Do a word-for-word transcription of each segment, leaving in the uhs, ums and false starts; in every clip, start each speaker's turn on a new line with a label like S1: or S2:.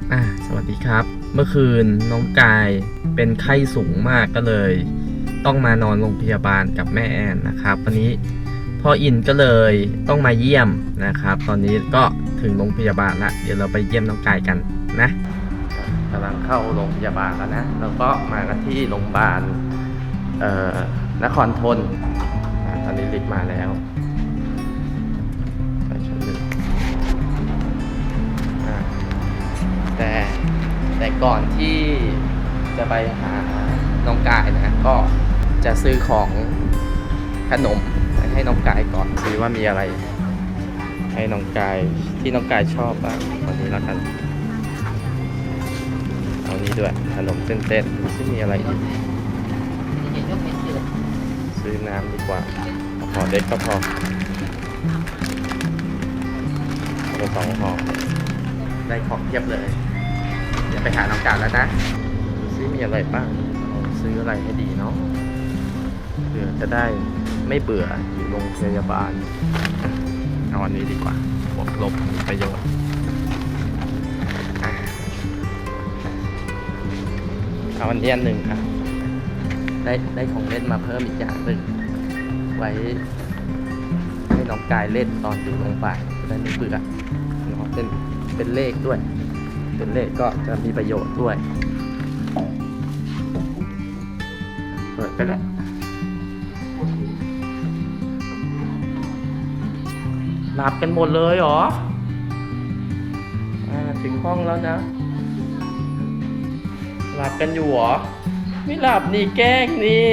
S1: อ่าสวัสดีครับเมื่อคืนน้องกายเป็นไข้สูงมากก็เลยต้องมานอนโรงพยาบาลกับแม่แอนนะครับวันนี้พ่ออินก็เลยต้องมาเยี่ยมนะครับตอนนี้ก็ถึงโรงพยาบาลละเดี๋ยวเราไปเยี่ยมน้องกายกันนะกำลังเข้าโรงพยาบาลแล้วนะแล้วก็มากันที่โรงพยาบาลเอ่อนครทนตอนนี้ลิฟต์มาแล้วไปชั้นหนึ่งแต่แต่ก่อนที่จะไปหาน้องกายนะก็จะซื้อของขนมให้น้องกายก่อนซื้อว่ามีอะไรให้น้องกายที่น้องกายชอบบ้างวันนี้แล้วกันเอานี้ด้วยขนมเส้นๆที่มีอะไรอีกซื้อน้ำดีกว่าห่อเล็กก็พอเอาสองห่อได้ของเทียบเลยเดี๋ยวไปหาน้องกายแล้วนะดูซิมีอะไรบ้างซื้ออะไรให้ดีเนาะเพื่อจะได้ไม่เบื่ออยู่โรงพยาบาลเอาอันนี้ดีกว่าบวกลบมีประโยชน์เอาอันนี้อันหนึ่งอ่ะได้ได้ของเล่นมาเพิ่มอีกอย่างหนึ่งไว้ให้น้องกายเล่นตอนอยู่โรงพยาบาลจะได้ไม่เบื่อเนาะเป็นเป็นเลขด้วยเป็นเลขก็จะมีประโยชน์ด้วยเปิดไปแล้วหลับกันหมดเลยเหรออ่าถึงห้องแล้วนะหลับกันอยู่เหรอไม่หลับนี่แกล้งนี่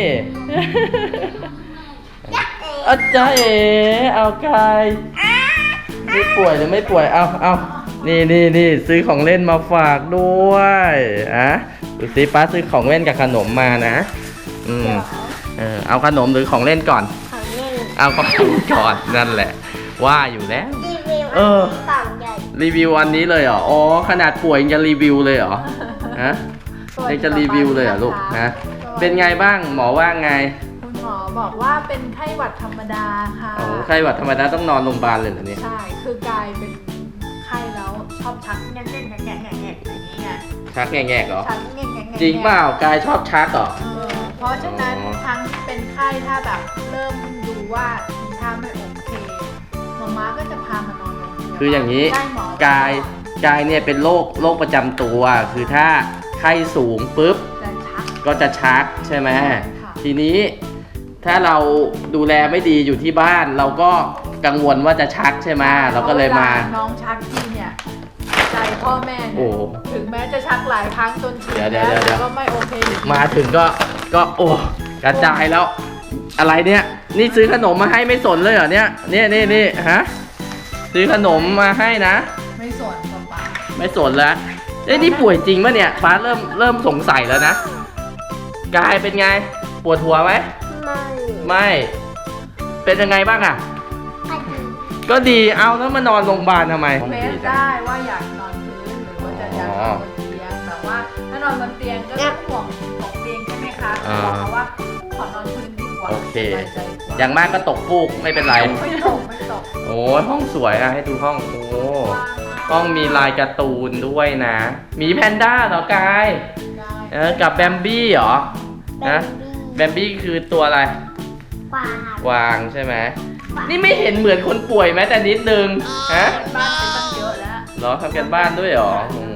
S1: อาจารย์เอ๋เอากายไม่ป่วยหรือไม่ป่วยเอาเอานี่นี่นี่ซื้อของเล่นมาฝากด้วยอ่ะดูสิป้าซื้อของเล่นกับขนมมานะอืมเออเอาขนมหรือของเล่นก่อนเอาของเล่นก่อนนั่นแหละว่าอยู่แล้วเออรีวิวอันนี้เลยเหรออ๋อขนาดป่วยยังจะรีวิวเลยเหรอฮะยังจะรีวิวเลยเหรอลูกฮะเป็นไงบ้างหมอว่าไง
S2: คุณหมอบอกว่าเป็นไข้หวัดธรรมดาค่ะ
S1: โอ้ไข้หวัดธรรมดาต้องนอนโรงพยาบาลเลยเหรอเนี่ย
S2: ใช่คือกายเป็นไข้แล้วชอบชักแง่ๆแง่ๆแง่ๆอย่างนี้ไง
S1: ชักแง่ๆเหรอ
S2: ชักแง่ๆแง่ๆ
S1: จริงเปล่ากายชอบชักเหรอ
S2: เพราะฉะนั้นทั้งเป็นไข้ถ้าแบบเริ่มดูว่าทีท่าไม่โอเคหมอม้าก็จะพามานอนโรงพยาบาล
S1: คืออย่างนี้กายกายเนี่ยเป็นโรคโรคประจำตัวคือถ้าไข้สูงปุ๊บก็จะชักใช่ไหมทีนี้ถ้าเราดูแลไม่ดีอยู่ที่บ้านเราก็กังวลว่าจะชักใช่ไหมเราก็เลยมา
S2: น้องชักทีเนี่ยใจพ่อแม่เนี่ยถึงแม้จะชักหลายครั้งจนชินแล้วก็ไม่โอเค
S1: มาถึงก็ก็โอ้กระจายแล้วอะไรเนี่ยนี่ซื้อขนมมาให้ไม่สนเลยเหรอเนี่ยนี่นี่นี่ฮะซื้อขนมมาให้นะ
S2: ไม่สนป้า
S1: ไม่สนแล้วเอ้ยนี่ป่วยจริงป่ะเนี่ยป้าเริ่มเริ่มสงสัยแล้วนะกายเป็นไงปวดหัวไหมไม่ไม่เป็นยังไงบ้างอ่ะก็ดีเอาแล้วมานอนโรงพยาบาลทำไม
S2: เมสได้ว่าอยากนอนพื้นหรือว่าจะอยากนอนบนเตียงแต่ว่าถ้านอนบนเตียงก็ต้องห่วงตกเตียงใช่ไหมคะบอกเขาว่าขอนอนพื้นดีกว่า
S1: โอเคอย่างมากก็ตกฟูกไม่เป็นไร
S2: ไม่ตกไม่ตก
S1: โอ้ห้องสวยอ่ะให้ดูห้องโอ้ห้องมีลายการ์ตูนด้วยนะมีแพนด้าเหรอกายเออกับแบมบี้เหรอนะแบมบี้คือตัวอะไร
S3: กวาง
S1: กวางใช่ไหมนี่ไม่เห็นเหมือนคนป่วยแม้แต่นิดนึงฮะ
S2: บ้านเป็นตั้งเยอะแล้ว
S1: เหรอทำกันบ้านด้วยเหรอ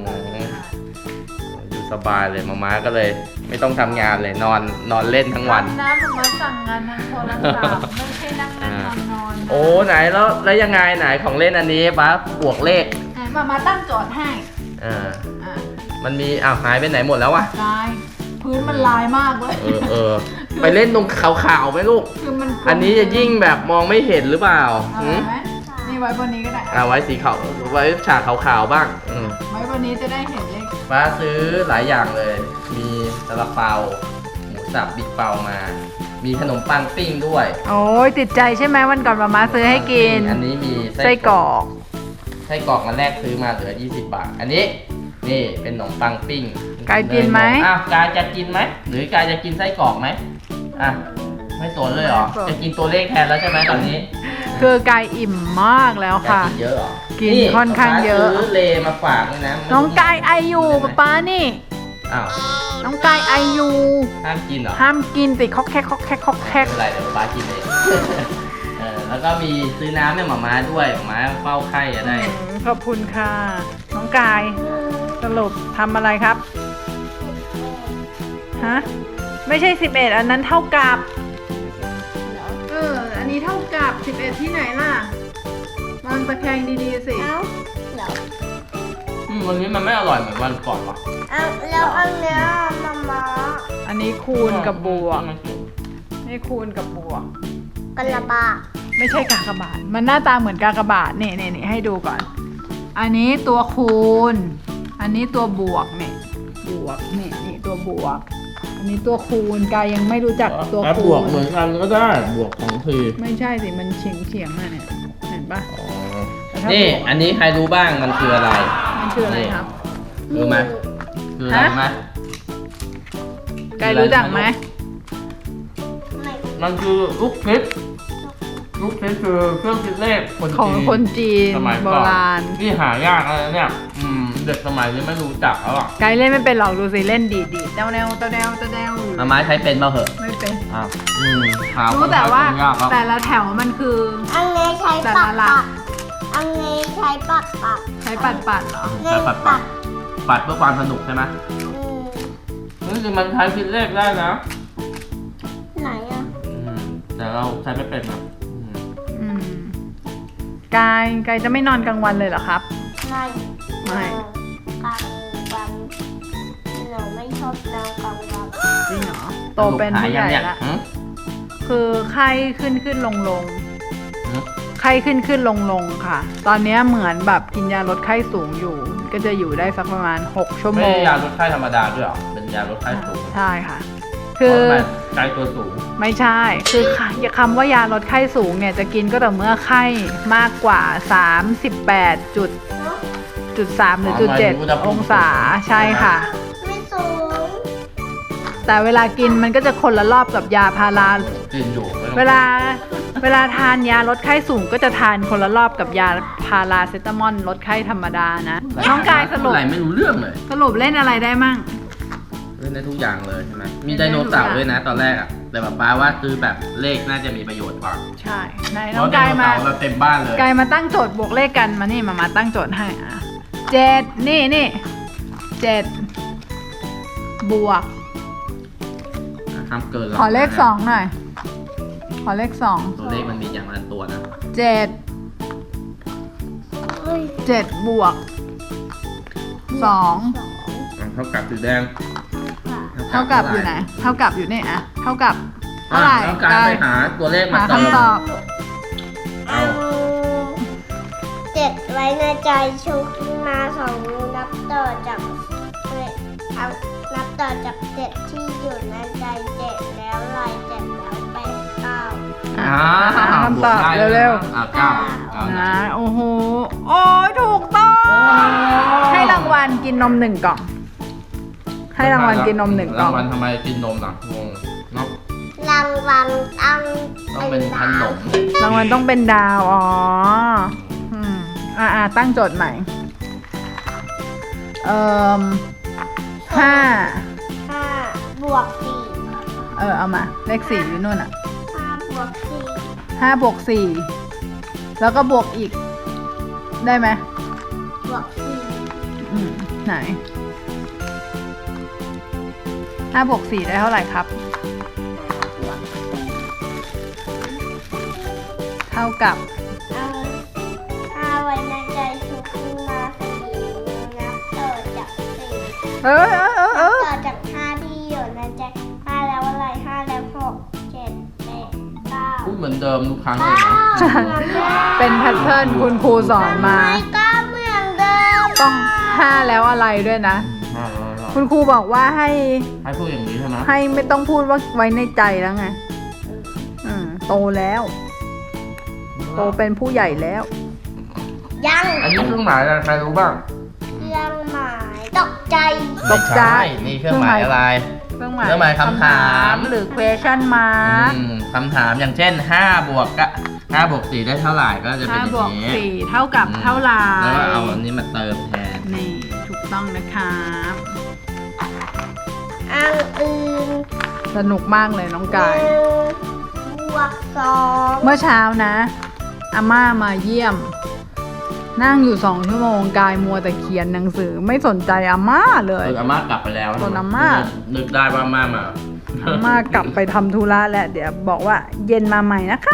S1: อยู่สบายเลยมาม่าก็เลยไม่ต้องทำงานเลยนอนนอนเล่นทั้งวัน
S2: น้ำมาสั่งงานทางโทรศัพท์ไม่ใช่นั่งเล่นนอนนอน
S1: โอ้ไหนแล้วแล้วยังไงไหนของเล่นอันนี้ป้าบวกเลข
S2: มามาตั้งโจทย์ให้
S1: อ่ามันมีอ้าวหายไปไหนหมดแล้ววะ
S2: ลายพื้นมันลายมากเลย
S1: เออเออไปเล่นตรงขาวๆไหมลูกอันนี้จะยิ่งแบบมองไม่เห็นหรือเปล่า
S2: นี่ไว้บนนี้ก็ได้
S1: อ่าไว้สีขาวไว้ฉากขาวๆบ้าง
S2: ไว้บนนี้จะได้เห็นเลข
S1: ป้าซื้อหลายอย่างเลยมีซาลาเปาหมูสับบิ๊กเปามามีขนมปังปิ้งด้วย
S2: โอ้ยติดใจใช่ไหมวันก่อนมาม่าซื้อให้กิน
S1: อันนี้มี
S2: ไส้กรอก
S1: ไส้กรอกมันแรกซื้อมาเหลือยี่สิบบาทอันนี้นี่เป็นขนมปังปิ้ง
S2: กายกินไหม
S1: อ้าวกายจะกินไหมหรือกายจะกินไส้กรอกไหมอ่ะไม่สนเลยเหรอจะกินตัวเลขแทนแล้วใช่ไหมตอนนี้
S2: คือกายอิ่มมากแล้วค่ะ
S1: กินเยอะเหรอ
S2: กินค่อนข้างเยอะ
S1: ป๊าซื้อเลมาฝากด้วยนะ
S2: น้องกายไออยู่ป๊าป๊านี่
S1: อ้าว
S2: น้องกายไออยู่
S1: ห้ามกินเหรอ
S2: ห้ามกินติดคอกแคกคอกแคกคอกแค
S1: ไม่
S2: ก
S1: เป็นไรเดี๋ยวป๊ากินเองเออแล้วก็มีซื้อน้ำให้หมาม้าด้วยหมาม้าเฝ้าไข้จะได้
S2: อืมขอบคุณค่ะ น้องกายสรุปทำอะไรครับฮะไม่ใช่สิบเอ็ดอันนั้นเท่ากับเอออันนี้เท่ากับสิบเอ็ดที่ไหนล่ะมองตะแคงดีๆสิ
S3: เอ้าเหรอ
S1: อืมวันนี้มันไม่อร่อยเหมือนวันก่อนหรอ
S3: เอาแล้วอันเนี้ยมาม่า
S2: อันนี้คูณกับบวกนี่คูณกับบวก
S3: กระบะ
S2: ไม่ใช่กากบาทมันหน้าตาเหมือนกากบาทนี่นี่นี่ให้ดูก่อน อันนี้ตัวคูณ อันนี้ตัวบวกเนี่ยบวกนี่นี่ตัวบวก อันนี้ตัวคูณกายยังไม่รู้จักตัว
S1: อ่ะ
S2: คู
S1: บวก
S2: ณ
S1: เหมือนกันก็ได้บวกของที
S2: ไม่ใช่สิมันเฉียงเฉียงๆอะเนี่ยเห็นปะ
S1: อ๋อ
S2: แต่ถ้า
S1: นี่
S2: บวก
S1: อันนี้ใครรู้บ้างมันคืออะไร
S2: มันคืออะไรครับ
S1: รู้ไหมคืออะไรไหม
S2: กายรู้จักไหม
S3: ไม่
S1: มันคือลูกคิดลูกคิดคือเครื่องคิดเลขคน
S2: ของ
S1: จีน
S2: คนจีน
S1: สมัย
S2: โบ
S1: ก่อน
S2: ราณ
S1: ที่หายากอะไรเนี่ยอืมเด็กสมัยนี้ไม่รู้จักแล้วอ่ะ
S2: กายเล่นไม่เป็นหรอกดูสิเล่นดีดีแนวแนวตะแนวตะแนว
S1: มาม้าใช้เป็นเปล่าเหอะ
S2: ไม่เป็น
S1: อ้าวอืมหา
S2: รู้แต่ว่า
S1: คนยากครับ
S2: แต่ละแถวมันคือ
S3: อันนี้ใช้
S2: แต่
S3: ปั
S2: ละ
S3: ก
S2: หลั
S3: ปั
S2: ก
S3: กอันนี้ใช้ปักปัก
S2: ใช้ปัดปัดๆเหรอ
S1: ใช้ปัดปัดปัดเพื่อความสนุกใช่ไหม
S3: อืม
S1: นี่คือมันใช้คิดเลขได้นะ
S3: ไหนอ่ะ
S1: อืมแต่เราใช้ไม่เป็นนะอืม
S2: อืมกายกายจะไม่นอนกลางวันเลยเหรอครับ
S3: ไม่
S2: ไม่
S3: กลางวันหนูไม่ชอบนอนกลางวัน
S2: จริงเหรอโตเป็นผู้ใหญ่
S1: สรุปายยัง
S2: ละ
S1: เนี่ยหืม
S2: คือไข้ขึ้นขึ้นลงลง
S1: หืม
S2: ไข้ขึ้นขึ้นลงลงค่ะ ตอนเนี้ยเหมือนแบบกินยาลดไข้สูงอยู่ ก็จะอยู่ได้สักประมาณหกชั่วโม
S1: ไม่
S2: ง
S1: ใช่ยาลดไข้ธรรมดาด้วยเหรอเป็นยาลดไข้สูง
S2: ใช่ค่ะ คือ
S1: เพราะมันไข้ตัวสูง
S2: ไม่ใช่ คือคำว่ายาลดไข้สูงเนี่ยจะกินก็แต่อเมื่อไข้มากกว่า สามสิบแปดจุด
S3: เนาะ
S2: จุดสามหรือจุดเจ็ดองศาใช่ค่ะ
S3: ไม่สูง
S2: แต่เวลากินมันก็จะคนละรอบกับยาพารา
S1: กินอยู่ไม่ต้อง
S2: เวลาเวลาทานยาลดไข้สูงก็จะทานคนละรอบกับยาพาราเซตามอลลดไข้ธรรมดานะ น้องกายสรุป
S1: อะไรไม่รู้เรื่องเลย
S2: สรุปเล่นอะไรได้มั่ง
S1: เล่นได้ทุกอย่างเลยใช่ไหมมีไดโนเสาร์ด้วยนะตอนแรกอะแต่แบบป้าว่าซื้อแบบเลขน่าจะมีประโยชน์กว่า
S2: ใช่ไหน
S1: เพ
S2: น้อง
S1: ราะได
S2: กาย
S1: โน
S2: มา
S1: เสาร์เราเต็มบ้านเลย
S2: กายมาตั้งโจทย์บวกเลขกันมานี่มามาตั้งโจทย์ให้อ่ะเจ็ดนี่นี่เจ็ดบวก
S1: ห้ามเกินหรก
S2: ขอเลขสองหน่อย ขอเลขสอง
S1: ตัวเลขมันมีอย่างละตัวนะ
S2: เจ็ด
S3: เฮ้ย
S2: เจ็ดบวกสอง
S3: สอง
S1: เท่ากับสีแดง
S3: ค่ะ
S2: เท่ากับอยู่ไหน เท่ากับอยู่นี่อะเท่ากับเท่า
S1: อ่ะ
S2: ไหร่
S1: ต้องการไปหาตัวเลขมา
S2: หา
S1: เติม
S2: คำตอบ
S1: เอา
S3: เจ็ดไว้ในใจชุกมาสองนิ้วนับต่อจากเลขเอานับต่อจากเจ็ดที่อยู่ในใจเจ็ดแล้วลายเจ็ดแล้วแปดเก้า
S2: อ่ะ
S1: อ่า
S2: หาคำตอบ
S1: วกได้
S2: เร็ว
S1: อ่ะเก้าเก้า
S2: ๆ
S1: นะ
S2: นะโอ้โหโอ้ยถูกต้อง ให้รางวัลกินนมหนึ่งกล่อง ให้รางวัลกินนมหนึ่งกล่อง
S1: รางวัลทำไมกินนมล่ะงงเนาะ
S3: รางวัลตั้ง
S1: ต้องเป็นขนม
S2: รางวัลต้องเป็นดาว อ๋อ อืม อ่าตั้งโจทย์ใหม่ เอ่อห้า
S3: ห้าบวกสี่
S2: เออ เอามา เลขสี่อยู่นู่นอ่ะ
S3: ห้าบวกสี่
S2: ห้าบวกสี่ แล้วก็บวกอีก ได้ไหม
S3: บวกสี่
S2: อืม ไหน ห้าบวกสี่ได้เท่าไหร่ครับ เท่ากับ
S3: เอาห้าไว้ในใจชุกมาสี่นับต่อจากสี่
S2: เออเออเออเออ
S3: ต่อจากห้าที่อยู่ในใจห้าแล้วอะไรห้าแล้วหกเจ็ดแปดเก้า
S1: พูดเหมือนเดิมทุกครั้งเลยนะ
S2: เป็นแพทเทิร์นคุณครูสอนมา
S3: ทำไมก็เหมือนเดิม
S2: ต้องห้าแล้วอะไรด้วยนะ
S1: อ่าอ่าอ่า
S2: คุณครูบอกว่าให้
S1: ให้พูดอย่างนี้ใช่ไหม
S2: ให้ไม่ต้องพูดว่าไว้ในใจแล้วไง อืม โตแล้ว โตเป็นผู้ใหญ่แล้ว
S3: ยัง
S1: อันนี้เครื่องหมายอะไรใครรู้บ้าง
S3: เครื่องหมายตกใจ
S2: ตกใจ
S1: ไม่ช่นี่เครื่องหมายอะไร
S2: เครื่องหมาย
S1: เครื่องหมายคำถาม
S2: หรือ question mark
S1: อืมคำถามอย่างเช่นห้าบวกกะห้าบวกสี่ได้เท่าไหร่ก็จะเป็น
S2: ห้า
S1: อย่า
S2: บวก
S1: งนี้
S2: สี่เท่ากับเท่าไหร่
S1: แล้วก็เอาอันนี้มาเติมแทน
S2: นี่ถูกต้องนะครับ
S3: อังอื่น
S2: สนุกมากเลยน้องกาย
S3: หนึ่งบวกสอง
S2: เมื่อเช้านะอาม่ามาเยี่ยม นั่งอยู่สองชั่วโมงกายมัวแต่เขียนหนังสือไม่สนใจอาม่าเลย
S1: เอออาม่ากลับไปแล้ว
S2: ส่วนอาม่า
S1: นึกได้ว่าอาม่ามา
S2: อาม่ากลับไปทำธุระแล้วเดี๋ยวบอกว่าเย็นมาใหม่นะคะ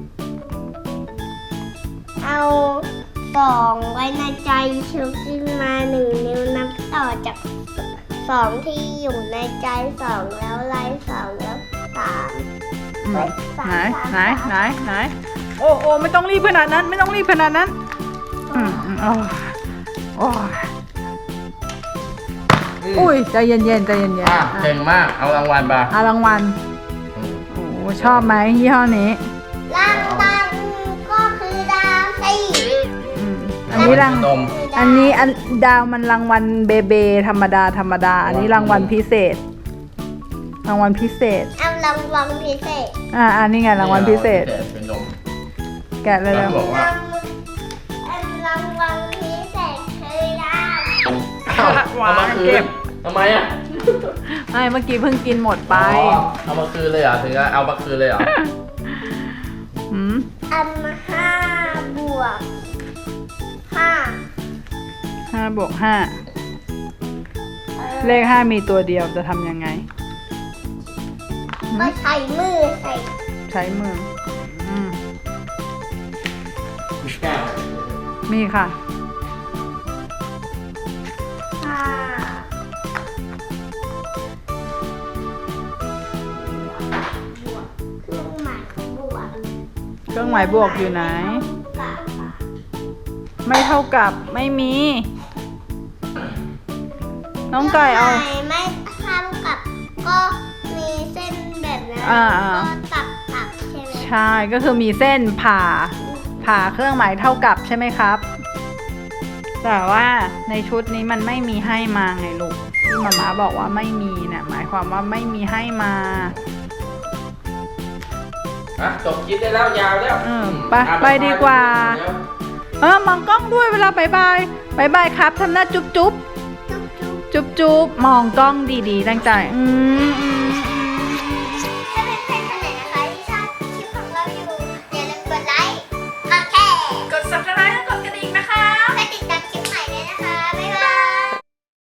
S3: เอาสองไว้ในใจชุบขึ้นมาหนึ่งนิ้วนับต่อจากสองที่อยู่ในใจสองแล้วไล่สองแล้วสาม
S2: อืมไหนไหนไหนไหนโอ้โอ้ไม่ต้องรีบขนาดนั้น ไม่ต้องรีบขนาดนั้นอืมอืมโอ้ยโอ้ยอุ้ยใจเย็นๆใจเย็นๆ
S1: อ่ะ
S2: อ่ะ
S1: เก่งมากเอารางวัลไป
S2: เอารางวัล
S1: อืม
S2: โอ้ชอบไหมยี่ห้อนี้
S3: รางวัลก็คือดาวตี
S2: อืมอันนี้ราง
S1: นม
S2: อันนี้อันดาวมันรางวัลเบเบธรรมดาธรรมดา อันนี้รางวัลพิเศษ รางวัลพิเศษ
S3: เอารางวัลพิเศษ
S2: อ่าอันนี้ไงรางวัลพิเศษ
S1: เป็นนม
S2: แกะเลย
S1: แล้
S2: แล้ว ว
S1: บอกว่า
S3: อันรางวัลพิเศษคือดาว
S1: เอามาคืนทำไมอ่ะ
S2: ไม่เมื่อกี้เพิ่งกินหมดไป
S1: อ๋อเอามาคืนเลยเหรอถึงจะเอามาคืนเลยเหรอ
S2: หืม
S3: อันห้าบวกห้า
S2: ห้าบวกห้าเลขห้ามีตัวเดียวจะทำยังไง
S3: ก็ใช้มือใส่
S2: ใช้มืออืม
S1: แก้ว
S2: มีค่ะ
S3: ห้าบวกเครื่องหมายบวก
S2: เครื่องหมายบวกอยู่ไหน
S3: กับ
S2: ไม่เท่ากับไม่มี น้องไก่เอา
S3: ไม่ไม่เท่ากับก็มีเส้นแบบนั้น
S2: อ่า
S3: ก็ตัดตัดใช่ไหม
S2: ใช่ก็คือมีเส้นผ่า ผ่าเครื่องหมายเท่ากับใช่ไหมครับ แต่ว่าในชุดนี้มันไม่มีให้มาไงลูกที่มาม่าบอกว่าไม่มีเนี่ยหมายความว่าไม่มีให้มา
S1: อ่ะจบคลิปได้แล้วยาวแล้ว
S2: เออไป
S1: อ่ะ
S2: ไปดีกว่า
S1: เดี๋ยว
S2: เออมองกล้องด้วยเวลาบายบายบายบายครับทำหน้าจุ๊บจุ๊บ
S3: จุ๊บจุ๊บ
S2: จุ๊บจุ๊บมองกล้องดีๆตั้งใจอืมอืม